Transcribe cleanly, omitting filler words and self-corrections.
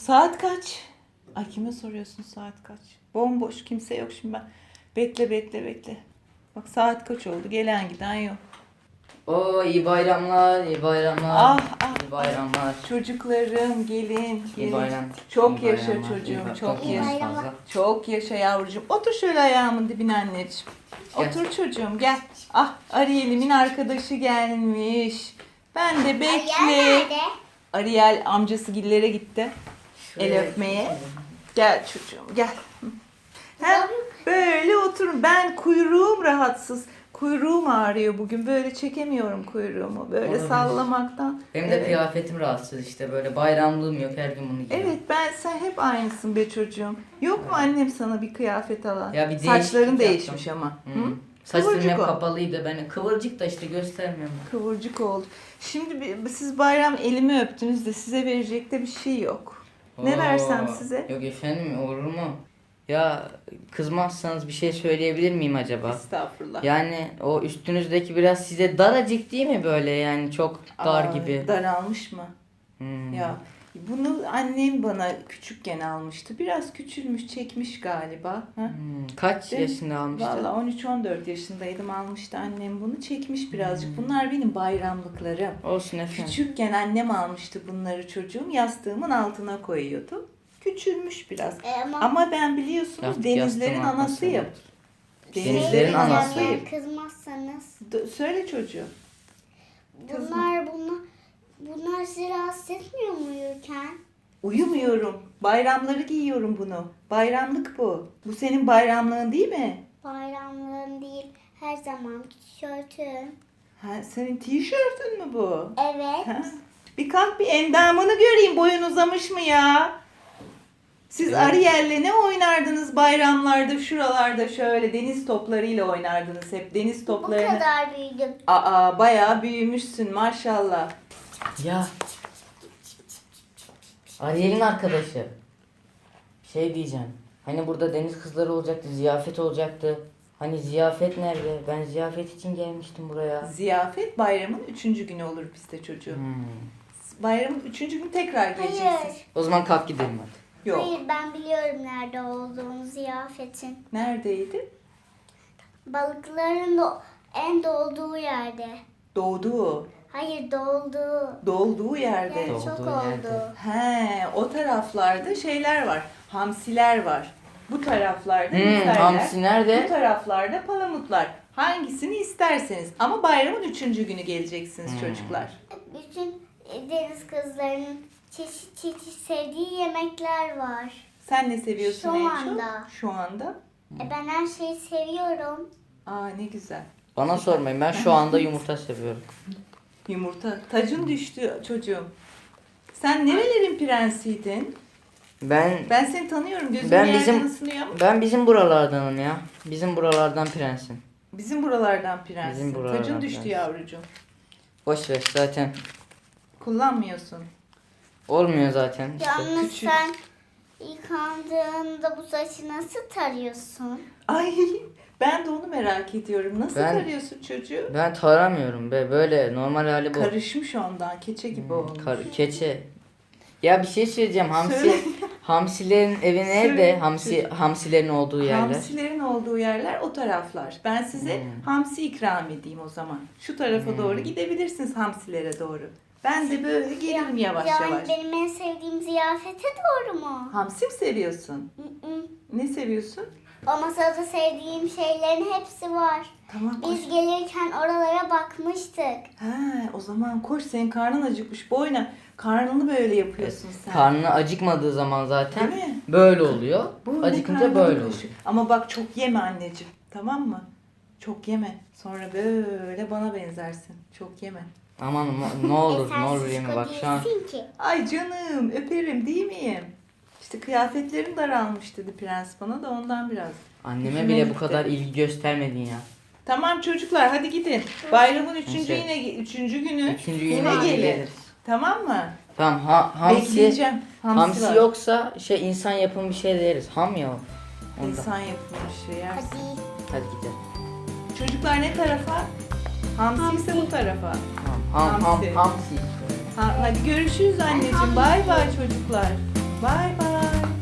Saat kaç? Ay kime soruyorsun saat kaç? Bomboş, kimse yok şimdi ben. Bekle. Bak saat kaç oldu? Gelen giden yok. Oo, iyi bayramlar, iyi bayramlar. Ah, iyi bayramlar. Çocuklarım gelin. İyi bayram. Çok iyi yaşa bayramlar, çocuğum, iyi çok bayramlar. yaşa. bayramlar. Çok yaşa yavrucuğum. Otur şöyle ayağımın dibine anneciğim. Gel. Otur çocuğum gel. Ah Ariel'imin arkadaşı gelmiş. Ben de bekle. Nerede? Ariel amcası gillere gitti. El Şuraya öpmeye. geçelim. Gel çocuğum gel. Hem böyle oturun. Ben kuyruğum rahatsız. Kuyruğum ağrıyor bugün. Böyle çekemiyorum kuyruğumu. Böyle Olabilir. sallamaktan. Benim de Evet. kıyafetim rahatsız işte, böyle bayramlığım yok, her gün bunu giyiyorum. Evet sen hep aynısın be çocuğum. Yok mu annem sana bir kıyafet alan? Ya bir Saçların değişiklik değişmiş yaptım. ama. Hı? Saçlarım Kıvırcık hep ol. kapalıydı, ben kıvırcık da işte göstermiyorum. Kıvırcık oldu. Şimdi siz bayram elimi öptünüz de size verecek de bir şey yok. Ne Oo, versem size? Yok efendim, olur mu? Ya kızmazsanız bir şey söyleyebilir miyim acaba? Estağfurullah. Yani o üstünüzdeki biraz size daracık değil mi, böyle yani çok dar Aa, gibi. Daralmış mı? Hmm. Ya bunu annem bana küçükken almıştı. Biraz küçülmüş, çekmiş galiba. Ha? Kaç Değil mi? yaşında almıştın? Valla 13-14 yaşındaydım almıştı annem bunu. Çekmiş birazcık. Bunlar benim bayramlıklarım. Olsun efendim. Küçükken annem almıştı bunları çocuğum. Yastığımın altına koyuyordu. Küçülmüş biraz. Ama ben biliyorsunuz Yastık denizlerin yastığın anasıyım. arkasına. Denizlerin Denizlerin anasıyım. anası. Kızmazsanız. Söyle çocuğum. Bunlar sizi rahatsız etmiyor mu uyurken? Uyumuyorum. Bayramları giyiyorum bunu. Bayramlık bu. Bu senin bayramlığın değil mi? Bayramlığın değil, her zaman tişörtün. Ha, senin tişörtün mü bu? Evet. Ha? Bir kalk bir endamını göreyim. Boyun uzamış mı ya? Siz Evet. Ariel'le ne oynardınız bayramlarda şuralarda şöyle deniz toplarıyla oynardınız hep. Deniz Bu toplarını. kadar büyüdüm. Aa bayağı büyümüşsün maşallah. Ya. Ariel'in arkadaşı. Şey diyeceğim. Hani burada deniz kızları olacaktı, ziyafet olacaktı. Hani ziyafet nerede? Ben ziyafet için gelmiştim buraya. Ziyafet bayramın 3. günü olur bizde çocuğum. Bayramın 3. günü tekrar geleceksin. Hayır. O zaman kalk gidelim hadi. Yok. Hayır, ben biliyorum nerede olduğunu ziyafetin. Neredeydi? Balıkların en dolduğu yerde. Doğduğu. Hayır, dolduğu. Dolduğu yerde. Yani Dolduğu çok yerde. oldu. He, o taraflarda şeyler var. Hamsiler var. Bu taraflarda misaller. Hamsi Bu nerede? taraflarda palamutlar. Hangisini isterseniz. Ama bayramın 3. günü geleceksiniz çocuklar. Bütün deniz kızlarının çeşit çeşit sevdiği yemekler var. Sen ne seviyorsun Şu en anda. çok? Şu anda. Ben her şeyi seviyorum. Aa ne güzel. Bana sormayın, ben şu anda yumurta seviyorum. Yumurta. Tacın düştü çocuğum. Sen nerelerin prensiydin? Ben Ben seni tanıyorum. Gözüm Ben yerden bizim- ısınıyor ama. ben bizim buralardanım ya. Bizim buralardan prensim. Bizim buralardan prensin. Bizim buralardan Tacın düştü prens. yavrucuğum. Boş ver, zaten Kullanmıyorsun. olmuyor zaten. İşte. Yalnız küçük. sen yıkandığında bu saçı nasıl tarıyorsun? Ay ben de onu merak ediyorum. Nasıl Ben- tarıyorsun çocuğu? Ben taramıyorum be, böyle normal hali bu. Karışmış ondan. Keçe gibi olmuş. Keçe. Ya bir şey söyleyeceğim. Söyle. Hamsilerin evi Söyle. nerede? Hamsilerin olduğu yerler. Hamsilerin olduğu yerler o taraflar. Ben size hamsi ikram edeyim o zaman. Şu tarafa doğru gidebilirsiniz hamsilere doğru. Ben de böyle gelirim yavaş yani yavaş. benim en sevdiğim ziyafete doğru mu? Hamsi mi seviyorsun? Mm-mm. Ne seviyorsun? O masada sevdiğim şeylerin hepsi var. Tamam koş. Biz gelirken oralara bakmıştık. He, o zaman koş senin karnın acıkmış. Boyuna karnını böyle yapıyorsun sen. Karnı acıkmadığı zaman zaten Değil mi? böyle oluyor. Böyle Acıkınca karnını böyle oluyor. taşı. Ama bak çok yeme anneciğim. Tamam mı? Çok yeme. Sonra böyle bana benzersin. Çok yeme. Aman ne olur sen ne olur şişko yeme bak şu an. değilsin ki. Ay canım öperim değil miyim? İşte kıyafetlerim daralmış dedi prens bana da ondan biraz. Anneme Hoşuma bile bu gitti. kadar ilgi göstermedin ya. Tamam çocuklar hadi gidin. Bayramın Neyse. üçüncü günü Üçüncü yine yine gelin. geliriz. Tamam mı? Tamam hamsi Bekleyeceğim. Hamsi, var. yoksa insan yapımı bir şey de yeriz. Ham ya o. Ondan. İnsan yapımı bir şey yersin. Hadi. Hadi gidelim. Çocuklar ne tarafa? Hamsi ise bu tarafa. Hamsi. Hamsi. Hadi görüşürüz anneciğim. Bay bay çocuklar. Bay bay.